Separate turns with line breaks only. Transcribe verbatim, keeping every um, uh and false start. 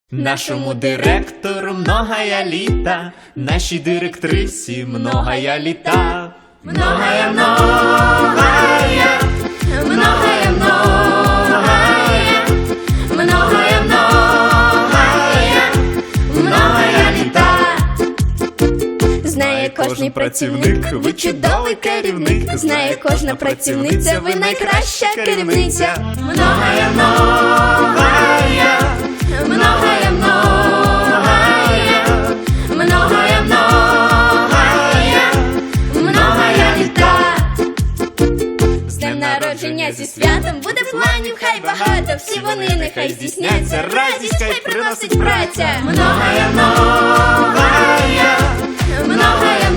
Нашему директору многая літа, нашій директрисі многая літа. Многая, многая, многая, многая, многая, многая, многая літа.
Знає кожний працівник, ви чудовий керівник. Знає кожна працівниця, ви найкраща керівниця.
Многая, многая, многая, многая, многая, многая, многая літа.
З днем народження, зі святом, буде планів хай багато. Всі вони нехай здійсняться, радість хай приносить праця.
Многая, многая, многая,